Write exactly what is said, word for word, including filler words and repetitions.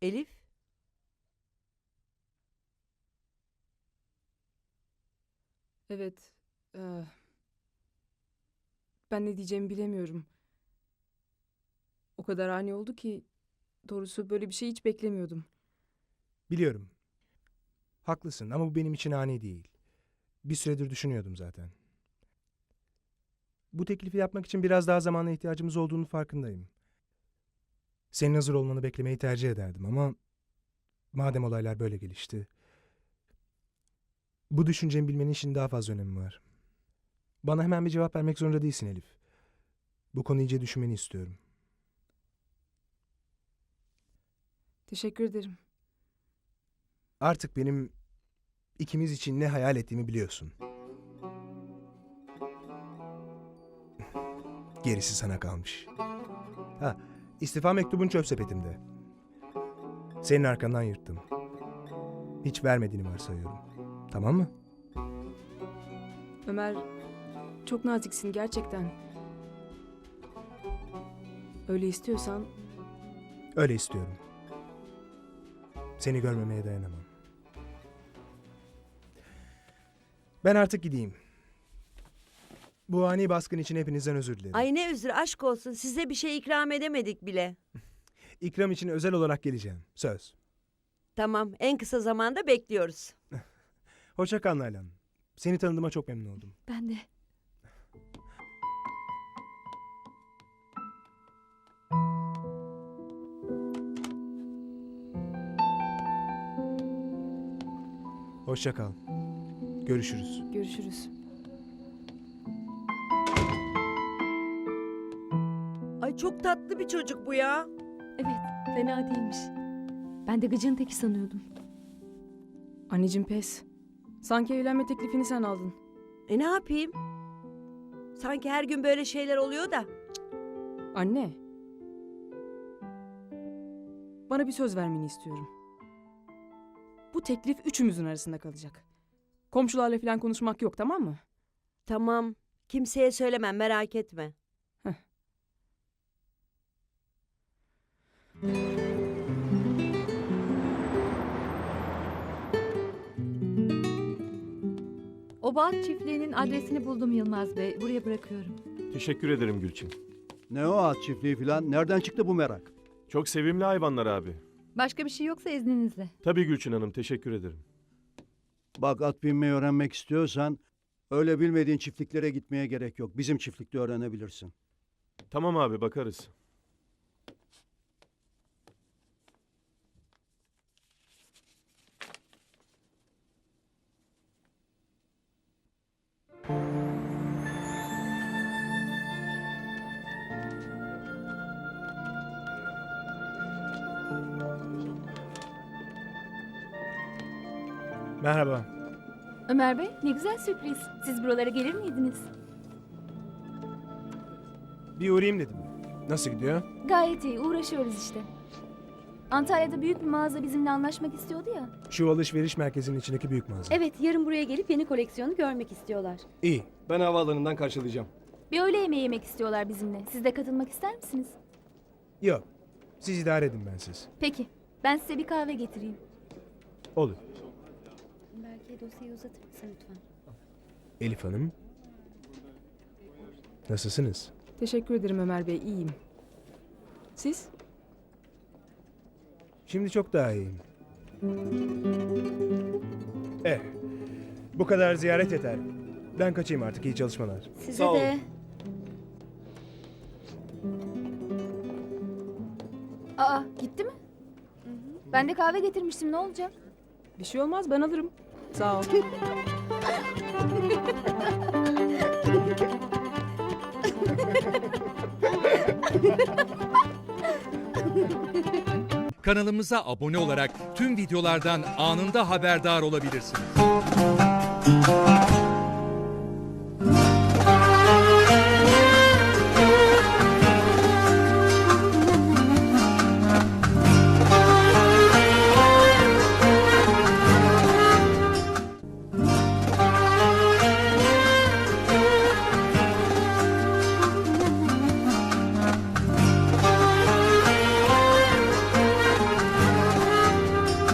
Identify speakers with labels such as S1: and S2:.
S1: Elif?
S2: Evet. eee, ben ne diyeceğimi bilemiyorum. O kadar ani oldu ki doğrusu böyle bir şey hiç beklemiyordum.
S3: Biliyorum. Haklısın ama bu benim için ani değil. Bir süredir düşünüyordum zaten. Bu teklifi yapmak için biraz daha zamana ihtiyacımız olduğunu farkındayım. Senin hazır olmanı beklemeyi tercih ederdim ama madem olaylar böyle gelişti, bu düşüncemi bilmenin şimdi daha fazla önemi var. Bana hemen bir cevap vermek zorunda değilsin Elif. Bu konuyu iyice düşünmeni istiyorum.
S2: Teşekkür ederim.
S3: Artık benim ikimiz için ne hayal ettiğimi biliyorsun. Gerisi sana kalmış. Ha, istifa mektubun çöp sepetimde. Senin arkandan yırttım. Hiç vermediğini varsayıyorum. Tamam mı?
S2: Ömer, çok naziksin gerçekten. Öyle istiyorsan
S3: Öyle istiyorum. Seni görmemeye dayanamam. Ben artık gideyim. Bu ani baskın için hepinizden özür dilerim.
S1: Ay ne özür, aşk olsun. Size bir şey ikram edemedik bile.
S3: İkram için özel olarak geleceğim. Söz.
S1: Tamam, en kısa zamanda bekliyoruz.
S3: Hoşça kal Nalan. Seni tanıdığıma çok memnun oldum.
S4: Ben de.
S3: Hoşça kal. Görüşürüz.
S2: görüşürüz.
S1: Ay çok tatlı bir çocuk bu ya.
S4: Evet, fena değilmiş. Ben de gıcığın teki sanıyordum.
S2: Anneciğim pes. Sanki evlenme teklifini sen aldın.
S1: E ne yapayım? Sanki her gün böyle şeyler oluyor da.
S2: Anne. Bana bir söz vermeni istiyorum. Bu teklif üçümüzün arasında kalacak. Komşularla falan konuşmak yok, tamam mı?
S1: Tamam, kimseye söylemem, merak etme.
S4: O bağ çiftliğinin adresini buldum Yılmaz Bey. Buraya bırakıyorum.
S5: Teşekkür ederim Gülçin.
S6: Ne o at çiftliği filan? Nereden çıktı bu merak?
S5: Çok sevimli hayvanlar abi.
S4: Başka bir şey yoksa izninizle.
S5: Tabii Gülçin Hanım, teşekkür ederim.
S6: Bak at binmeyi öğrenmek istiyorsan öyle bilmediğin çiftliklere gitmeye gerek yok. Bizim çiftlikte öğrenebilirsin.
S5: Tamam abi, bakarız.
S3: Merhaba.
S4: Ömer Bey, ne güzel sürpriz. Siz buralara gelir miydiniz?
S3: Bir uğrayayım dedim. Nasıl gidiyor?
S4: Gayet iyi, uğraşıyoruz işte. Antalya'da büyük bir mağaza bizimle anlaşmak istiyordu ya.
S3: Şu alışveriş merkezinin içindeki büyük mağaza.
S7: Evet, yarın buraya gelip yeni koleksiyonu görmek istiyorlar.
S3: İyi.
S8: Ben havaalanından karşılayacağım.
S4: Bir öğle yemeği yemek istiyorlar bizimle. Siz de katılmak ister misiniz?
S3: Yok. Siz idare edin bensiz.
S4: Peki, ben size bir kahve getireyim.
S3: Olur.
S7: Belki dosyayı uzatır mısın lütfen?
S3: Elif Hanım. Nasılsınız?
S2: Teşekkür ederim Ömer Bey, iyiyim. Siz?
S3: Şimdi çok daha iyiyim. Eh. Bu kadar ziyaret yeter. Ben kaçayım artık. İyi çalışmalar.
S7: Size
S8: Sağ olun.
S7: de.
S4: Aa, gitti mi? Ben de kahve getirmiştim, ne olacak?
S2: Bir şey olmaz, ben alırım. Sağ ol.
S9: Kanalımıza abone olarak tüm videolardan anında haberdar olabilirsiniz.